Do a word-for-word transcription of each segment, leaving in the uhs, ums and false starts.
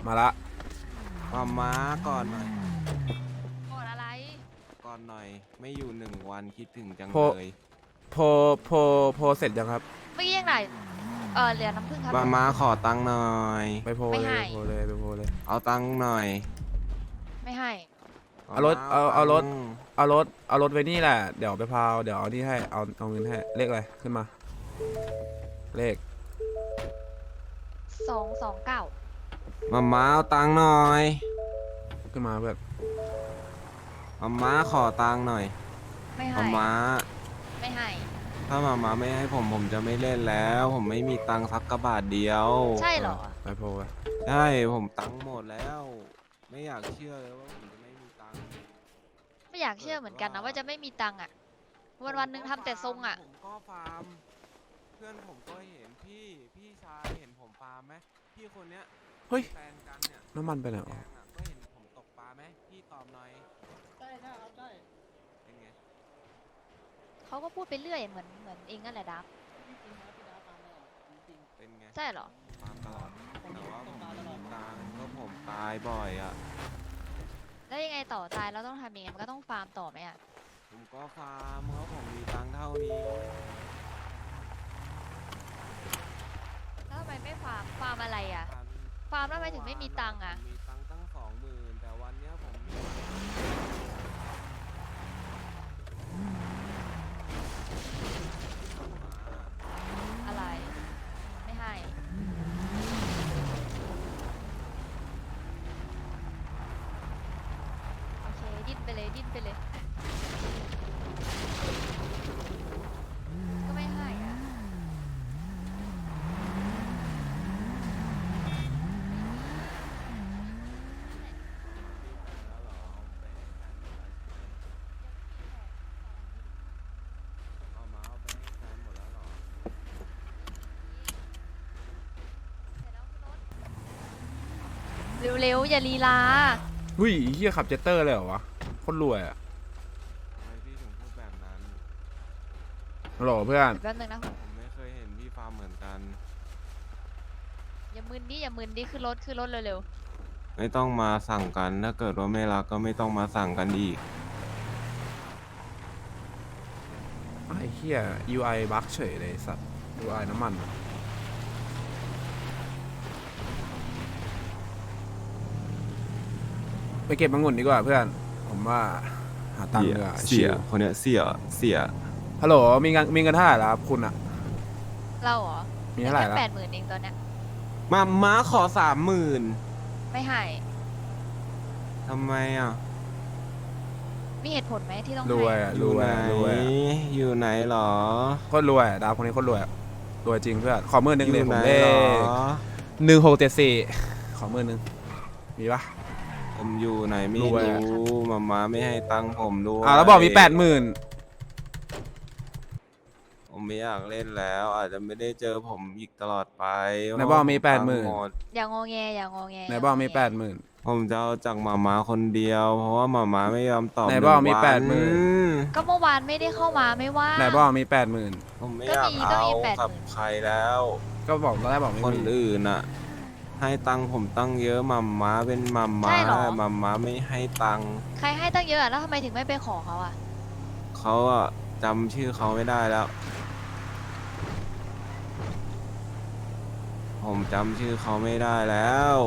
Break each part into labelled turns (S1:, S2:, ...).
S1: มาละ
S2: มาม้าก่อนหน่อย
S3: ก่อนอะไร
S2: ก่อนหน่อยไม่อยู่หนึ่งวันคิดถึงจัง
S1: โพ
S2: เลย
S1: โพโพโพเสร็จยังครับ
S3: เมื่อกี้ยังไงเออเหลือน้ำผึ้งครับ
S2: มาม้าขอตังค์หน่อย
S1: ไปโพ
S3: ไม่
S1: เลย
S3: ให้
S1: ไปโพเลยไปโพเลย
S2: เอาตังค์หน่อย
S3: ไม่ให้
S1: เอารถเอาเอารถเอารถเอารถไว้นี่แหละเดี๋ยวไปพาวเดี๋ยวเอานี่ให้เอาเอาเงินให้เลขอะไรขึ้นมาเลข
S3: สองสองเก้า
S2: มาม้าเอาตังค์หน่อย
S1: ขึ้นมาเพื่อน
S2: มาม้าขอตังค์หน่อย
S3: ไม่ให้
S2: มาม้า
S3: ไม่ให้
S2: ถ้ามาม้าไม่ให้ผมผมจะไม่เล่นแล้ว ผมไม่มีตังค์สักกระบาทเดียว
S3: ใช่เหรอ
S1: ไปโพไป
S2: ใช่ผมตังค์หมดแล้ว ไม่อยากเชื่อเลยว่าผมจะไม่มีตังค์
S3: ไม่อยากเชื่อเหมือนกันนะว่าจะไม่มีตังค์อ่ะวันวันๆหนึงทำแต่ทรงอ่ะ
S2: ผมก็ฟาร์มเพื่อนผมก็เห็นพี่พี่ชายเห็นผมฟาร์มไหมพี่คนเนี้ย
S1: เฮ้ย
S2: แฟนกันเนี่ย
S1: น้ำมันไปไหน
S2: แด
S1: อ๋อง
S2: อะก็เห็นผมตกปลาไหมพี่ตอบหน่อย
S4: ได้ได้ครับได้
S2: เป็นไง
S3: เขาก็พูดไปเรื่อยเหมือนเหมือนเองนั่นแหละดับ
S4: จริงๆนะพี่ดาตามตลอดจริง
S2: เป็นไง
S3: ใช่เหรอ
S2: ฟาร์มตลอด
S4: ๆผม
S2: แต่
S4: เห็น
S2: ว่า
S4: ต
S2: ผ
S4: ก
S2: ม
S4: ปลาตลอ
S2: มี
S4: ด
S2: ตังค์ก็ผมตายบ่อยอ่ะ
S3: แล้วยังไงต่อตายเราต้องทำยังไงมันก็ต้องฟาร์มต่อไหมอ่ะ
S2: ผมก็ฟาร์มเพราะผมมีตังค์เท่านี้
S3: แล้วทำไมไม่ฟาร์มฟาร์มอะไรอ่ะ
S2: ฟาร์ม
S3: ฟาร์มแล้วทำไมถึงไม่มีตังค์อ่ะ
S2: ผมมีตังค์ตั้งสองหมื่นแต่วันเนี้ยผมมี
S3: อะไร ไม่ให้โอเคดิ้นไปเลยดิ้นไปเลยก็ไม่ให้อ่ะ
S2: เอามาเอาไปให้แฟนหมดแล้วเหรอ
S3: เร็วๆอย่าลีลา
S1: หุ้ยเฮียขับเจตเตอร์เลยเหรอวะโคตรรวยอ่ะ
S2: ทำไมพี่ถึงพูดแบบนั้น
S1: ฮัลโหลเพื่อน
S3: แป๊บนึงนะ
S2: ผมไม่เคยเห็นพี่ฟาร์มเหมือนกัน
S3: อย่ามึนดิอย่ามึนดิขึ้นรถขึ้นรถเร็ว
S2: ไม่ต้องมาสั่งกัน ถ้าเกิดว่าไม่รักก็ไม่ต้องมาสั่งกันอีก
S1: ไอ้เฮีย ยู ไอ บั๊กเฉยเลยสัตว์ ยู ไอ น้ำมันอะไปเก็บมังุ่นดีกว่าเพื่อน ผมว่าหาตังค์ดีกว่า
S2: เสีย คนเนี้ยเสีย เสีย
S1: ฮัลโหลมีเงินมีเงินเท่าไหร่แล้วครับคุณอะ
S3: ๆเราเหรอ
S1: มีเท่าไหร่
S3: แค่
S1: แล้ว
S3: แปดหมื่นเองตอนเนี้ย
S2: มาม้าขอสามหมื่น
S3: ไม่ให้
S2: ทำไมอ่ะ
S3: มีเหตุผลไหมที่ต้อง
S1: ร
S3: ให้
S1: วยอะ
S2: อ
S1: ร
S2: ยู่
S1: วย
S2: ไหน
S1: อะรวยอะ
S2: อยู่ไหนหรอ
S1: โคตรรวยอะดาวคนนี้โคตรรวยอะรวยจริงเพื่อนขอมือหนึ่งเลย
S2: อยู่
S1: ผ
S2: ไหน
S1: มเล
S2: หรอ
S1: ขหนึ่งหกเจ็ดสี่ขอมือหนึ่งมีปะ
S2: ผมอยู่ไหนไม่
S1: รวยอะ
S2: รู้มาม้าไม่ให้ตังค์ผมด้วย
S1: อ่าแล้วบอกมีแปดหมื่น
S2: ผมไม่อยากเล่นแล้ว อาจจะไม่ได้เจอผมอีกตลอดไป
S1: ไหนบอกมีแปดหมื่น
S2: เพราะว่าผมตังค์ด
S3: อย่างงอแงอย่างงอแง
S1: ไหนบอกมีแปดหมื่น
S2: ผมจะเอาจากหมาม้าคนเดียว เพราะว่าหมาม้าไม่ยอมตอบ
S1: ไหนบอกมี
S2: ง
S1: แป
S2: วั
S1: ดหมื่น
S3: ก็เมื่อวานไม่ได้เข้ามาไม่ว่า
S1: ไหนบอกมีแปดหมื่น
S2: ผมไม่
S3: ก็
S2: อยาก
S3: มีก็
S2: เอา
S3: มีแปดหมื่น
S2: กับใครแล้ว
S1: ก็บอกตอนแรกบอกไม่
S2: คน
S1: มี
S2: อื่นอ่ะ ให้ตังค์ผมตั้งเยอะหมาม้าเป็นหมาม้า
S3: ใช่เหรอ
S2: หมาม้าไม่ให้ตังค์
S3: ใครให้ตั้งเยอะอะแล้วทำไมถึงไม่ไปขอเขาอ่ะ
S2: เขาอะจำชื่อเขาไม่ได้แล้ว ผมจำชื่อเขาไม่ได้แล้ว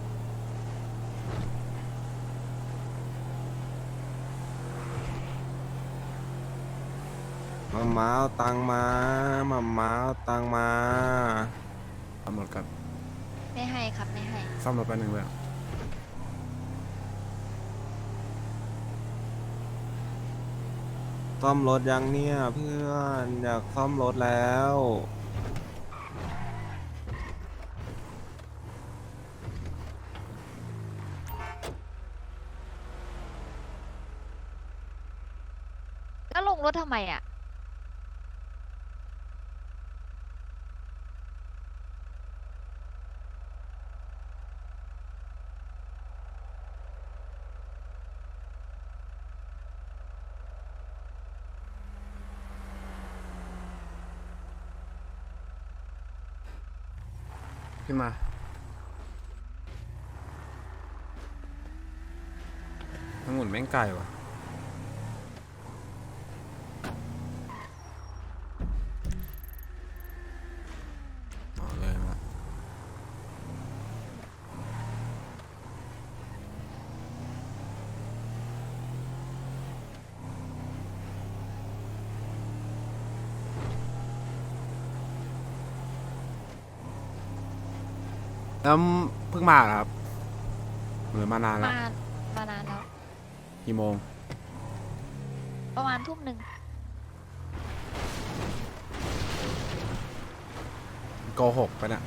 S2: มาม้าเอาตังค์มามาม้าเอาตังค์มา
S1: ซ่อมรถกัน
S3: ไม่ให้ครับไม่ให้
S1: ซ่อมรถไปหนึ่งเลย
S2: ซ่อมรถยังเนี่ยเพื่อนอยากซ่อมรถแล้ว
S3: แล้วลงรถทำไมอ่ะ
S1: ขึ้นมาองุ่นแม่งไก่ว่ะอ๋อเลยมาแล้วเพิ่งมาเหรอครับหรือมานานแล้ว
S3: มามานานแล้ว
S1: กี่โมง
S3: ประมาณทุ่มหนึ่ง
S1: โกหกไปะเนี่ย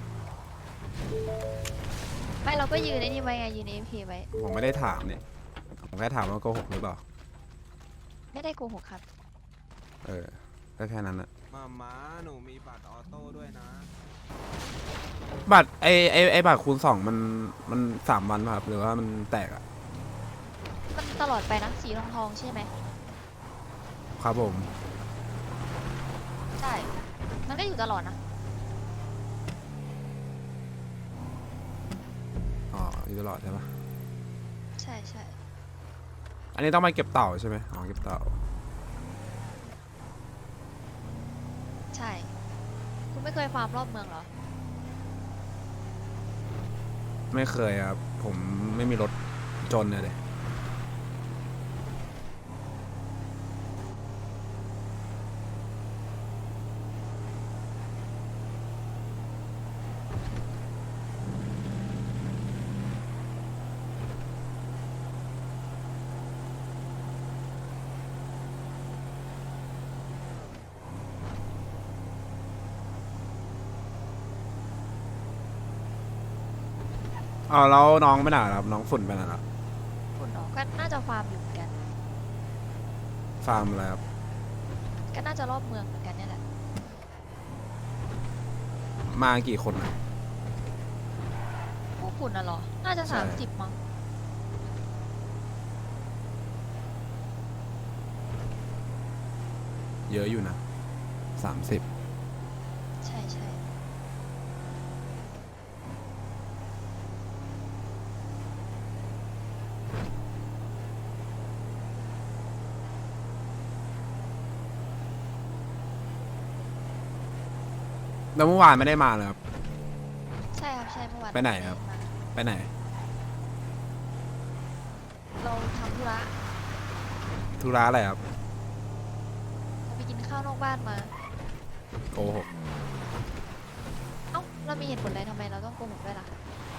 S3: ไม่เราก็ยืนไอ้นี่ไว้ไงยืนเอ็มพีไว้
S1: ผมไม่ได้ถามเนี่ยผมแค่ถามว่าโกหกหรือเปล่า
S3: ไม่ได้โกหกครับ
S1: เออก็แค่นั้นนะ
S2: มาม้าหนูมีบัตรออโต้ด้วยนะ
S1: บัตรไอไอไอบัตรคูณสองมันมันสามวันป่ะครับหรือว่ามันแตกอะ
S3: มันตลอดไปนะสีทองทองๆใช่ไหม
S1: ครับผม
S3: ใช่ มันก็อยู่ตลอดนะ
S1: อ๋ออยู่ตลอดใช่ปะ
S3: ใช่ใช่
S1: อันนี้ต้องไปเก็บเต่าใช่ไหมอ๋อเก็บเต่า
S3: ใช่ คุณไม่เคยฟาร์มรอบเมืองเหรอ
S1: ไม่เคยครับผมไม่มีรถจนเลย อ๋อแล้วน้องไปไหนล่ะครับน้องฝุ่นไปไหนล่ะ
S3: คุณน้องก็น่าจะฟาร์มอยู่เหมือนกัน
S1: ฟาร์มอะไรครับ
S3: ก็น่าจะรอบเมืองเหมือนกันเนี่ยแหละ
S1: มากี่คนนะ
S3: พวกคุณน่ะเหรอ น่าจะ
S1: ใช่
S3: สามสิบมั้ง
S1: เยอะอยู่นะสามสิบ
S3: ใช่ใช่
S1: แล้วเมื่อวานไม่ได้มาเลยครับ
S3: ใช่ครับใช่เมื่อวาน
S1: ไปไหนครับ
S3: มา
S1: ไปไหน
S3: เราทำธุระ
S1: ธุระอะไรครับ
S3: เราไปกินข้าวนอกบ้านมา
S1: โกหก
S3: เอ้า เรามีเหตุผลอะไรทำไมเราต้องโกหกด้วยล่ะ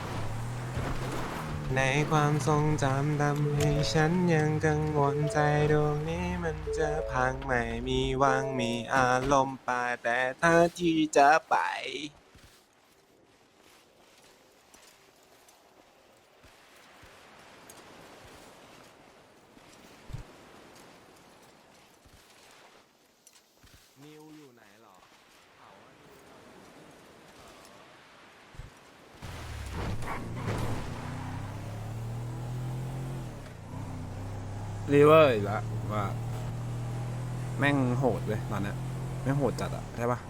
S2: ในความทรงจำทำให้ฉันยังกังวลใจดวงนี้มันจะพังไม่มีหวังมีอารมณ์ป่าแต่ถ้าที่จะไป นิวอยู่ไหนหรอเขาว่านิวเรา
S1: รีเวอร์อีกแล้วว่า แม่งโหดเลยตอนเนี้ยแม่งโหดจัดอะใช่ปะ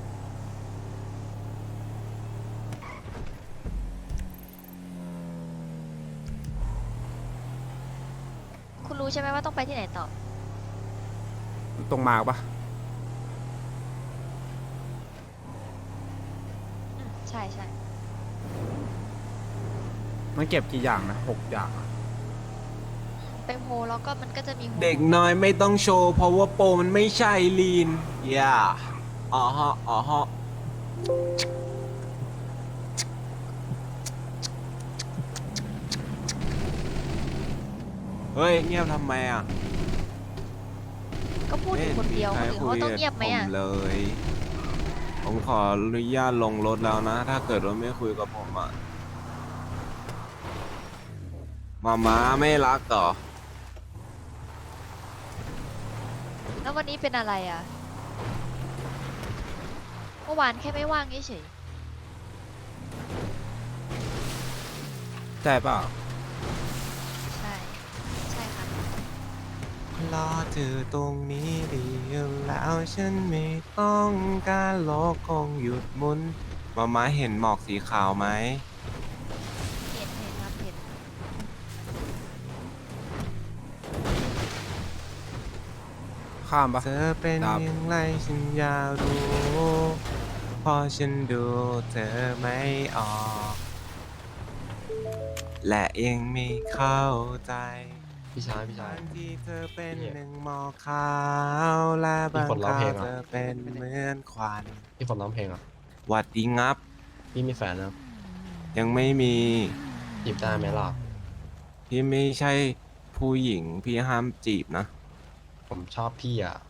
S3: คุณรู้ใช่ไหมว่าต้องไปที่ไหนต่อ
S1: ตรงมาปะ
S3: อืมใช่ใช่
S1: มันเก็บกี่อย่างนะหกอย่างอะ
S3: ไปโพลแล้วก็มันก็จะมีโฮ
S2: เด็กน้อยไม่ต้องโชว์เพราะว่าโปรมันไม่ใช่ลีน อย่าอ๋อฮะอ๋อฮะเฮ้ย เงียบทำไมอ่ะ
S3: ก็พูดอยู่คนเดียวคนอื่นเขาต้องเงียบไหมอ่ะ
S2: ผมเลย ผมขออนุญาตลงรถแล้วนะ ถ้าเกิดว่าไม่คุยกับผมอ่ะมาม้าไม่รักเหรอ
S3: แล้ววันนี้เป็นอะไรอ่ะ เมื่อวานแค่ไม่ว่างเฉย
S1: ใช่เปล่า
S3: ๆใช่ ใช่ค่ะ
S2: รอเธอตรงนี้ดีอยู่แล้วฉันไม่ต้องการโลกคงหยุดหมุนมาม้าเห็นหมอกสีขาวไหม
S3: เห็นเห็นครับเห็น
S1: ข้ามปะ
S2: เธอเป็น
S1: ครับ
S2: อย่างไรฉันอยากรู้เพอฉันดูเธอไม่ออก และยังไม่เข้าใจ
S5: พี่ชายพี่ชาย
S2: บางทีเธอเป็น
S5: พี่
S2: หนึ่งหมอกขาวและบาง
S5: มีคนร้อง
S2: ครา
S5: เพล
S2: ว
S5: งอะ
S2: เธอเป็นเหมือนควัน
S5: พี่ฝนร้องเพลงอ่ะ
S2: หวัดดีงับ
S5: พี่มีแฟนแล้ว
S2: ยังไม่มี
S5: จีบได้ไหมล่ะ
S2: พี่ไม่ใช่ผู้หญิงพี่ห้ามจีบนะ
S5: ผมชอบพี่อ่ะ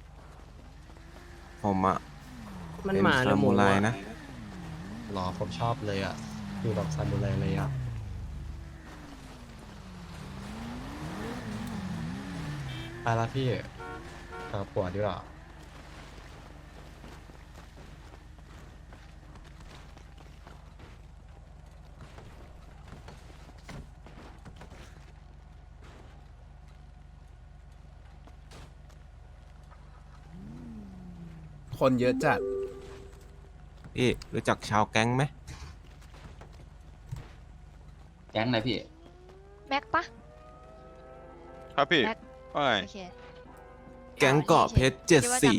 S2: ผมอะ
S6: มัน
S2: เป็น
S6: หมาหรื
S2: ซา
S6: อหมู
S2: มูไร
S6: อะ
S2: นะ
S5: หรอผมชอบเลยอ่ะคือแบบซามูไรเลยอ่ะไปละพี่หาผัวดีกว่า
S1: คนเยอะจัด
S2: พี่รู้จักชาวแก๊งไหม
S7: แก๊งอะไรพี่
S3: แม็กปะ
S8: ครับพี่
S3: แม็ก
S8: ว่าไง
S3: โอเค
S2: แก๊งเกาะเพชรเจ็ด
S3: คิว่า
S2: สี
S3: จ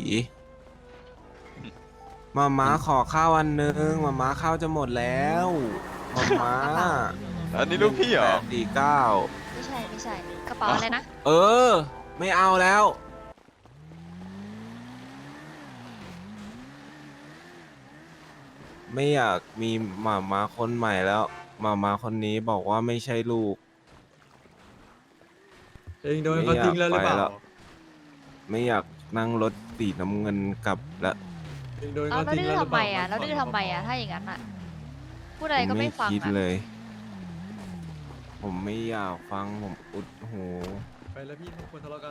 S2: มาม้าขอข้าวอันนึงมาม้าข้าวจะหมดแล้วมาม้า
S8: อันนี้ลูกพี่เหรอ
S2: แปดสี่เก้า
S3: ำไม่ใช่ไม่ใช่กระเป๋าอะไรนะ
S2: เออ ไม่เอาแล้ว ไม่อยากมีหมาม้าคนใหม่แล้วหมาม้าคนนี้บอกว่าไม่ใช่ลูก
S6: เองโดนเขาทิ้งแล้วหรือเปล่า
S2: ไม่อยากไปแล้ว ไม่อยากนั่งรถสีน้ำเงินกลับละ
S6: เองโดน
S3: เอา
S6: เขา
S3: แล้ว
S6: ทิ้ง
S3: ดื้อ
S6: แล้วหรือ
S3: ทำ
S6: เป
S3: ไม
S6: ล่า
S3: อ่ะแล้วดื้อทำไมอ่ะถ้าอย่างนั้นอ่ะพูดอะไรก็
S2: ผม
S3: ไม่ฟัง
S2: คิด
S3: อ่ะ
S2: เลย ผมไม่อยากฟังผมอุดหู
S6: ไปแล้วพี่ทุกคนทะเลาะกัน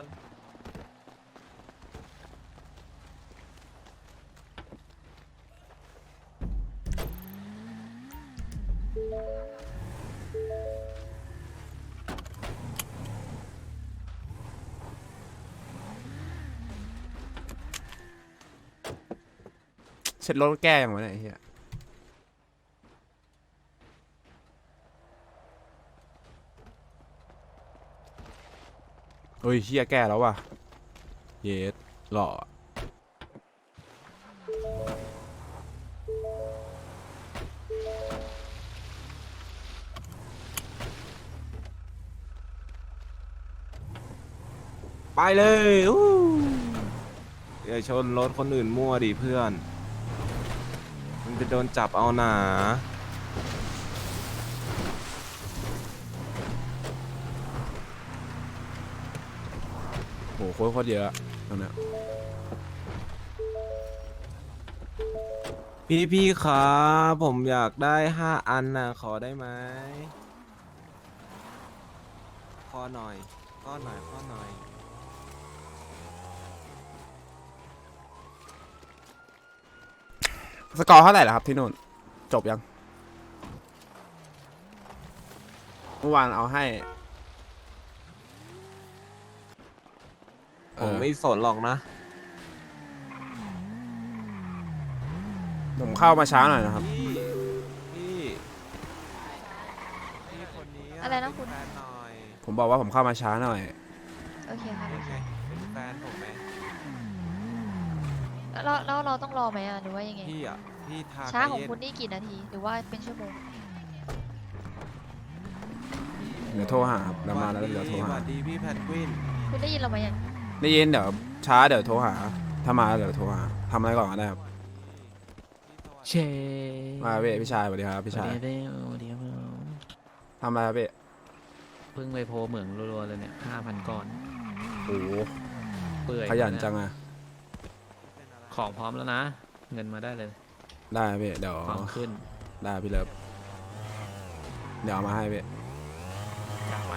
S1: เช็ดรถแก้ยังไงเนี่ยไอ้เฮียเฮ้ยเฮียแก้แล้วว่ะ เยสหล่อ
S2: ไปเลยอู้อย่าชนรถคนอื่นมั่วดิเพื่อน มันจะโดนจับเอาหนา
S1: โหโคตรโคตรเยอะตรงเนี้ย
S2: พี่พี่ครับผมอยากได้ห้าอันนะขอได้ไหมขอหน่อยขอหน่อยขอหน่อย
S1: สกอร์เท่าไหร่ล่ะครับที่นู่น จบยังเมื่อวานเอาให้
S2: ผมไม่สนหรอกนะ
S1: ผมเข้ามาช้าหน่อยนะครับ
S2: พี่พี่พี่คนนี้
S3: อะไรนะคุณ
S2: เป็นแฟนหน่อย
S1: ผมบอกว่าผมเข้ามาช้าหน่อย
S3: โอเคครับ
S2: เป็นไงเป็นแฟนผมไหม
S3: แล้วแล้วเราต้องรอไหมอ่ะหรือว่ายังไง
S2: พี่อ่ะพี่ทา
S3: ช้าของ
S2: เย็น
S3: คุณนี่กี่นาทีหรือว่าเป็นชั่วโมง
S1: เดี๋ยวโทรหาครับแล้วมาแล้วเดี๋ยวโทร
S2: ส
S1: หา
S2: วัสดีพี่แพนกวิน
S3: คุณได้ยินเราไหมยัง
S1: ได้ยินเดี๋ยวช้าเดี๋ยวโทรหา ถ้ามาเดี๋ยวโทรหาทำอะไรก่อนก็ได้ครับ
S6: เช
S1: มาเว้ยพี่ชายสวัสดีครับพี่ชาย
S6: เดี๋ยวเดี๋ยว
S1: ทำอะไรครับพี่
S6: เพิ่งไปโพเหมืองรัวๆเลยเนี่ยห้าพันก้อน
S1: โอ้โห
S6: เปื่อย
S1: ขยันจังอะ
S6: ของพร้อมแล้วนะ เงินมาได้เลย
S1: ได้ครับพี่เดี๋ยว
S6: ความขึ้น
S1: ได้พี่เลิฟเดี๋ยวเอามาให้พี่
S6: กลับไป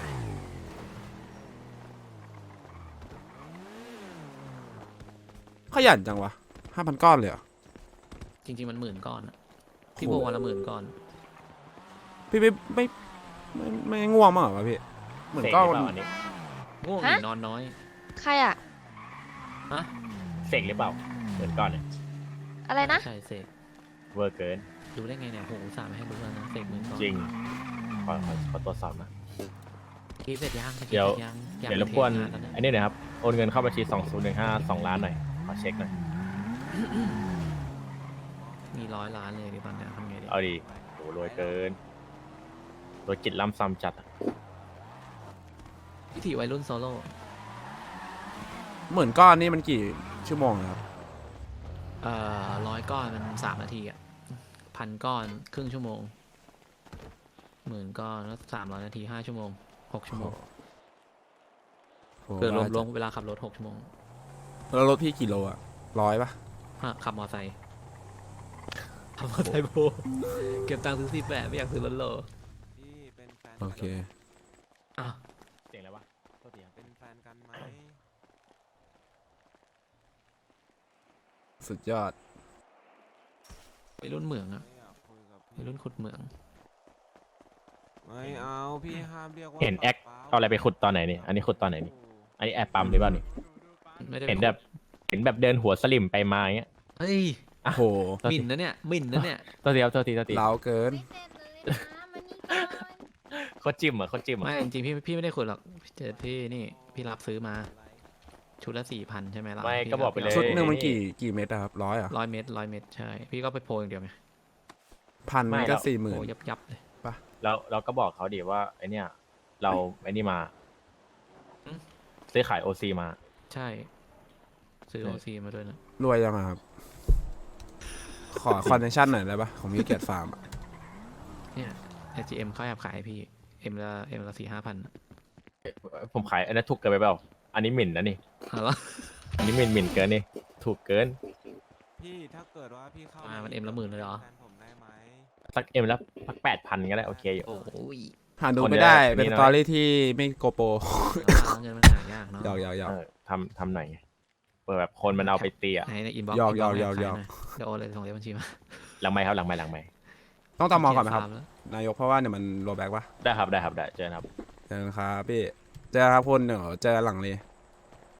S1: ขยันจังวะห้าพันก้อนเลยเหรอ
S6: จริง ๆ มันหมื่นก้อนอะพี่
S1: โอ้
S6: โพ
S1: โห
S6: วันละหมื่นก้อน
S1: พี่ไม่ไม่ไม่ไม่ไม่ง่วงมั้างเหรอวะพี่เหมือนก็
S6: ง่วงหรือนอนน้อย
S3: ใครอ่ะ
S6: ฮะ
S9: เสกหรือเปล่าเหมือนก่อนเนี่ย
S3: อะไรนะ
S6: ใช่เสก
S9: เวอร์เกิน
S6: ดูได้ไงเนี่ยโหอุตสาห์มาให้ดูแล้วนะเสกหมื่นก้อน
S9: จริง ขอขอขอตรวจสอบนะ
S6: คิดเสร็จยัง
S9: เดี๋ยว
S6: คิสร็จงอาก
S9: เดี๋ยวรบกวน
S6: เทงานแล้เย
S9: อันนี้หน่อยครับโอนเงินเข้าบัญชีสองศูนย์หนึ่งห้าสองล้านหน่อยขอเช็คหน่อย
S6: มีร้อยล้านเลยดิตอนเนี้ยทำไงดี
S9: เอาดีโหรวยเกินรวยจิตล้ำซ้ำจัดอะ
S6: วิถีวัยรุ่นโซโล่
S1: หมื่นก้อนนี่มันกี่ชั่วโมงนะครับ
S6: เอ่อร้อยก้อนมันสามนาทีอ่ะพันก้อนครึ่งชั่วโมงหมื่นก้อนแล้วสามร้อยนาทีห้าชั่วโมงหกชั่วโมง
S1: โอ้
S6: คือรวม
S1: ว่าร
S6: วมเวลาขับรถหกชั่วโมง
S1: แล้วรถพี่กี่โลอะร้อยปะ
S6: ฮะขับมอไซค์ขับมอไซค์โบเก็บตังค์ซื้อสิบแปดไม่อยากซื้อรถโล
S2: พี่เป็นแฟน
S1: โอเค
S6: อ่ะ
S9: เสียงอะไรวะโทษทีครับ
S2: เป็นแฟนกันไหม
S1: สุดยอด
S6: วัยรุ่นเหมืองอะ
S2: ไม่อยากคุยกับ
S6: วัยรุ่นขุดเหมือง
S2: ไม่เอาพี่ห้ามเรียกว่า
S9: เห็นแอค
S2: ป๊า
S9: เอาอะไรไปขุดตอนไหนนี่อันนี้ขุดตอนไหนนี่อันนี้แอบปั๊มหรือเปล่านี่
S6: ไม่ได้
S9: เห็นแบบเห็นแบบเดินหัวสลิมไปมาอย่างเงี้ย
S6: เฮ้ย
S1: โอ้โห
S6: หมิ่นนะเนี่ยหมิ่นนะเนี่ย
S9: โทษทีครับโทษทีโทษที
S1: เล้าเกิน
S3: ไม่เสร็จเลยนะมานี่ก่อน
S9: โคตรจิ้มเหรอโคตรจิ้มเหรอ
S6: ไม่จริงๆพี่พี่ไม่ได้ขุดหรอกเจอพี่นี่พี่รับซื้อมาชุดละสี่พันใช่ไหมล่ะ
S9: ไม่
S6: พี่
S9: ก็บอกไปเลย
S1: ชุดหนึ่งมันกี่กี่เม็ดอะครับร้อยอะ
S6: ร้อยเมตรร้อยเมตรใช่พี่ก็ไปโพลอย่างเดียวไง
S1: พันมันก็สี่หมื่น
S6: โอ้ยับยับเลย
S9: เราเราก็บอกเขาดิว่าไอเนี้ยเราไอนี่มา
S6: อืม
S9: ซื้อขายโอซีมา
S6: ใช่ ซื้อโอซีมาด้วยนะ
S1: รวยยังอะครับ ขอคอนเนคชั่นหน่อยได้ปะของมิวเกตฟาร์มอะ
S6: เนี่ย เอ จี เอ็ม เขาแอบขายให้พี่เอ็มละเอ็มละสี่ห้าพัน
S9: ผมขายอันนั้นถูกเกินไปเปล่าอันนี้หมิ่นนะนี่
S6: เอาละ
S9: อันนี้หมิ่นหมิ่นเกินนี่ถูกเกิน
S2: พี่ถ้าเกิดว่าพี่เข้า
S6: อ่ามันเอ็มละหมื่นเลยเหรอ
S2: แฟนผมได้ไหม
S9: สักเอ็มแล้วสักแปดพันก็ได้โอเคอยู่
S6: โอ้ย
S1: หาดู
S9: คน
S1: ไม่
S9: เดียว
S1: ได้
S9: นี่
S1: เป็น
S9: น้อย
S1: สตอรี่ที่ไม่โกโปร
S6: แล้วเงินมันหายากเนาะ
S1: หยอกหยอกหยอก
S9: เออทำทำหน่อยไงเปิดแบบคนมันเอาไปตีอะ
S6: ไหนในอินบ็อกซ์
S1: หยอกหยอกหยอกหยอก
S6: เดี๋ยวโอนเลยส่งเลขบัญชีมา
S9: หลังไม้ครับหลังไม้หลังไม้
S1: ต้องตามมองก่อนไหมครับ
S6: เขียฟาแล้ว
S1: นายกเพราะว่าเนี่ยมันโรแบ็กปะ
S9: ได้ครับได้ครับได้เจอกันครับ
S1: เจอกันครับพี่ เจอกันครับคุณเดี๋ยวเจอกันหลังเลย